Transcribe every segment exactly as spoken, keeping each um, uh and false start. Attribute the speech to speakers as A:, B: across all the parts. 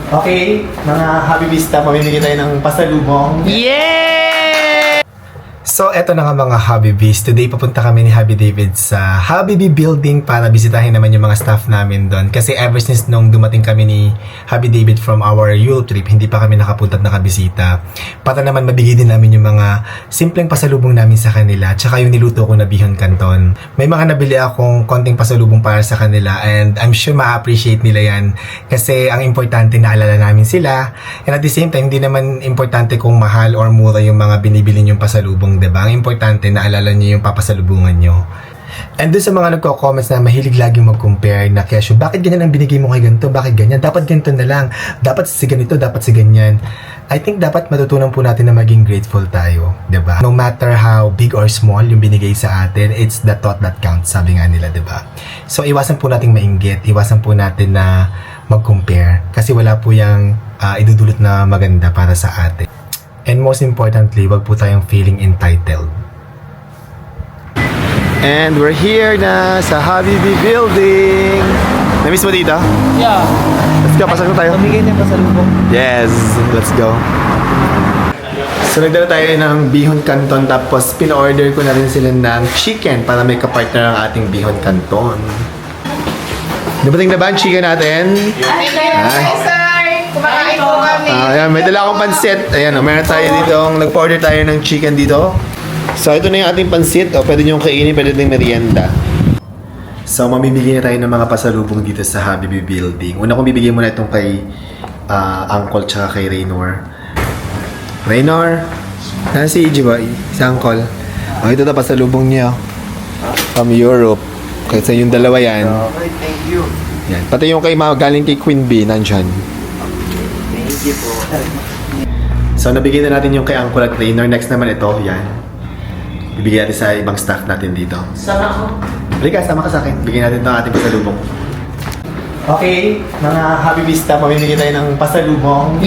A: Okay, mga Habibista, mamimigay tayo ng pasalubong.
B: Yeah!
A: So, eto na nga mga Habibis. Today, papunta kami ni Habi David sa Habibi Building para bisitahin naman yung mga staff namin doon. Kasi ever since nung dumating kami ni Habi David from our Europe trip, hindi pa kami nakapunta at nakabisita. Para naman mabigay din namin yung mga simpleng pasalubong namin sa kanila. Tsaka yung niluto ko na bihon canton. May mga nabili akong konting pasalubong para sa kanila and I'm sure ma-appreciate nila yan. Kasi ang importante na alala namin sila. And at the same time, hindi naman importante kung mahal or mura yung mga binibili yung pasalubong. Diba? Ang importante na alala nyo yung papasalubungan nyo. And dun sa mga nagko-comments na mahilig laging mag-compare na kesyo, bakit ganyan ang binigay mo kay ganito? Bakit ganyan? Dapat ganito na lang. Dapat si ganito, dapat si ganyan. I think dapat matutunan po natin na maging grateful tayo. Diba? No matter how big or small yung binigay sa atin, it's the thought that counts, sabi nga nila, diba? So, iwasan po nating mainggit. Iwasan po natin na mag-compare. Kasi wala po yung uh, idudulot na maganda para sa atin. And most importantly, wag po tayong feeling entitled. And we're here na sa Habibi Building. Na-miss mo dito?
B: Yeah.
A: Let's go, pasok na tayo.
B: Pamigay niya pasalubong.
A: Yes, let's go. So nagdala tayo ng bihon canton tapos pin-order ko na rin sila ng chicken para may kapartner ang ating bihon canton. Dumating na ba ang chicken natin?
C: Hi, sir! Kumakain po kami.
A: Ah, ayan, may dala akong pansit. Ayan, oh, meron tayo dito. Nag-order tayo ng chicken dito. So, ito na yung ating pansit. O, pwede nyo kainin, pwede din merienda. So, mamimigay na tayo ng mga pasalubong dito sa Habibi Building. Una kong bibigyan muna itong kay uh, Uncle tsaka kay Raynor. Raynor, nasa si Ijiboy, si Uncle. O, ito na pasalubong niya. From Europe. Kasi yung dalawa yan.
D: Okay, thank you.
A: Yan. Pati yung kay galing kay Queen Bee, nandyan.
D: Thank you po.
A: So, nabigyan na natin yung kay Uncle at Raynor. Next naman ito, yan. Bibigyan natin sa ibang staff natin dito.
C: Sama ko.
A: Halika, sama ka sa akin. Bigyan natin ito ang ating pasalubong. Okay, mga Habibista, mamimigay tayo ng pasalubong.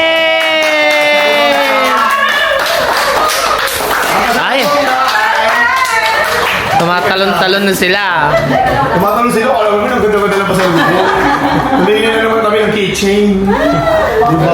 B: Yeah! Ay! Tumatalon-talon na sila.
A: Tumatanong sila, alam mo, ang ganda-ganda ng pasalubong. Nabigyan na naman kami ng keychain. Diba?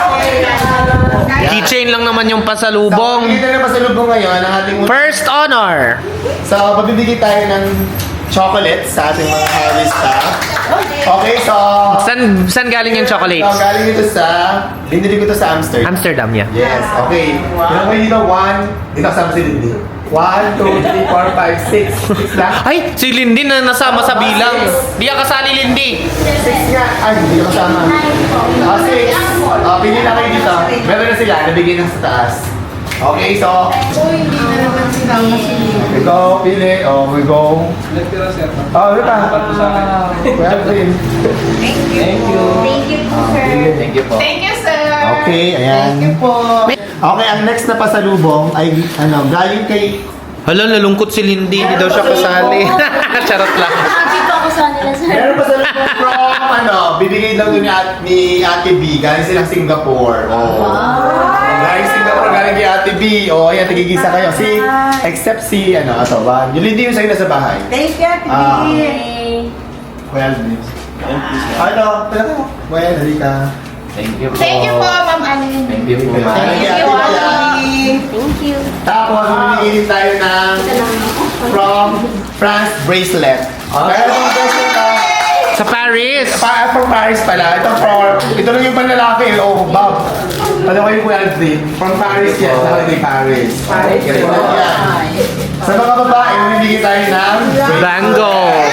B: Keychain lang naman yung pasalubong.
A: So, bibigyan na pasalubong ngayon ang ating...
B: First honor!
A: So, pabibigay tayo ng chocolate sa ating mga Habibista. Okay, so...
B: San, san galing yung
A: So,
B: chocolates?
A: galing ito sa... Binili ko ito sa Amsterdam.
B: Amsterdam, yeah.
A: Yes, okay. Meron kayo dito, one... Dito kasama si Lindy. One, two, three, four, five, six. Six lang.
B: Ay, si Lindy na nasama sa bilang. Di ka kasali, Lindy.
A: Six nga. Ay, hindi ko kasama. Ah, six. Ah, pili na kayo dito. Meron na sila. Nabigay na sa taas. Okay, so...
C: Oh, hindi na naman sila masilip.
A: Ito, pili. Oh, we go. Oh, ano pa? Well, din.
C: Thank you. Thank you. Thank you po, sir.
A: Thank you po.
C: Thank you, sir.
A: Okay, ayan.
C: Thank you po.
A: Okay, ang next na pasalubong ay, ano, galing kay...
B: Hala, nalungkot si Lindy. Hindi daw siya kasali. Charot lang.
C: Dito ako sa nila, sir.
A: Meron pasalubong from, ano, bibigay daw ni, At, ni Ate B. Galing silang Singapore. Oh. Galing Singapore, galing kay Ate B. Oh, ayan, tigigisa kayo. Si, except si, ano, ito ba? Yung Lindy yung sa'yo nasa bahay.
C: Thank you, Ate
A: Ah.
C: B.
A: Well, please. Ano, pala ko. Well, halika.
D: Thank you po.
C: Thank you po, Ma'am Alin.
D: Thank you po.
A: Thank
C: Thank
A: you,
C: you,
A: Ate
C: Ate. Thank you.
A: Tapos, mamimigay din tayo ng from France bracelet. Kaya itong bracelet na,
B: Sa Paris.
A: pa, from Paris pala. Ito for, ito lang yung panlalaki. Oh, Bob. Ano kayo po yan, from Paris yan. Sa holiday Paris. Paris. Yan. Sa mga babae, mamimigay tayo ng
B: Bangles.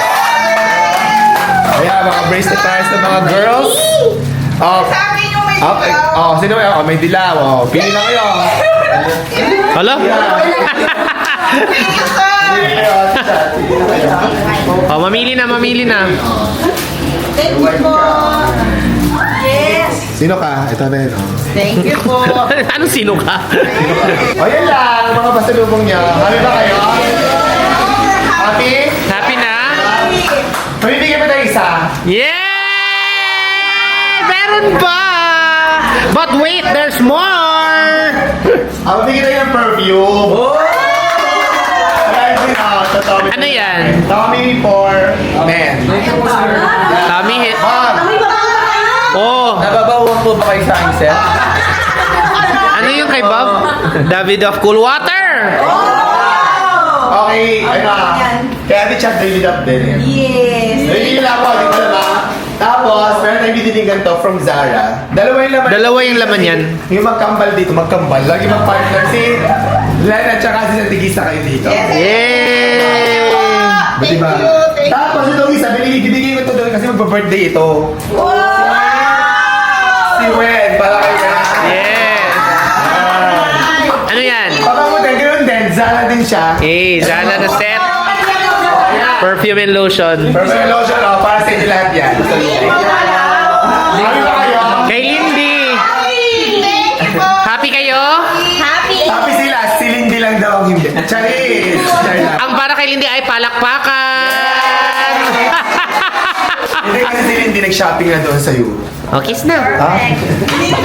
A: Ayan, mga bracelet tayo sa mga girls. Oh,
C: Sa akin yung may
A: okay.
C: dilaw.
A: Oh, sino ba? Oh, may dilaw. Oh, pili na kayo.
B: Hala?
C: Thank you, sir.
A: Pili kayo. Pili na kayo.
B: Oh, mamili na, mamili na.
C: Thank you po. Yes.
A: Sino ka? Ito na yun. Oh.
C: Thank you po.
B: Anong sino ka?
A: O yan lang, mga pasalubong niya. Happy ba kayo? Happy?
B: Happy na?
A: Pabibigyan pa tayo isa.
B: Yeah! Meron pa! But wait, there's more!
A: Ah, mabigyan tayo ng perfume. Oh!
B: Ano yan?
A: Tommy for men.
B: Tommy hit.
A: Ma'am,
B: Oh!
D: Nababaw
B: po ba kayo sa aking set?
E: Ano yung kay Bob? David of Cool Water!
A: Okay, ano kaya di chat David up din eh.
C: Yes.
A: Nahihila ako, di ba naman? Tapos, meron tayong biniling ganito from Zara. Dalawa yung laman.
E: Dalawa yung laman yan.
A: Yung magkambal dito, magkambal. Lagi mag-partner si Len at saka si Santigista kayo dito.
E: Yay!
A: Ba, diba?
C: Thank you, thank you.
A: Tapos itong isa, binigay, binigay ko ito doon kasi magpa-birthday ito.
C: Wow!
A: Si Wen, para kayo na.
E: Yes! Ano yan?
A: Papamutan, ganoon din. Zara din siya.
E: Eh, Zala na set. Perfume and lotion.
A: Personal lotion, oh, para sa inyo lahat yan. Happy ba kayo?
E: Kay Lindy!
C: Thank you po.
E: Happy kayo?
C: Happy.
A: Happy sila, si Lindy lang daw ang hindi. Charis! Charis.
E: Ang para kay Lindy ay palakpakan!
A: Hindi kasi si Lindy nag-shopping na doon sa Europe.
E: Oh, kiss na.
A: Ha?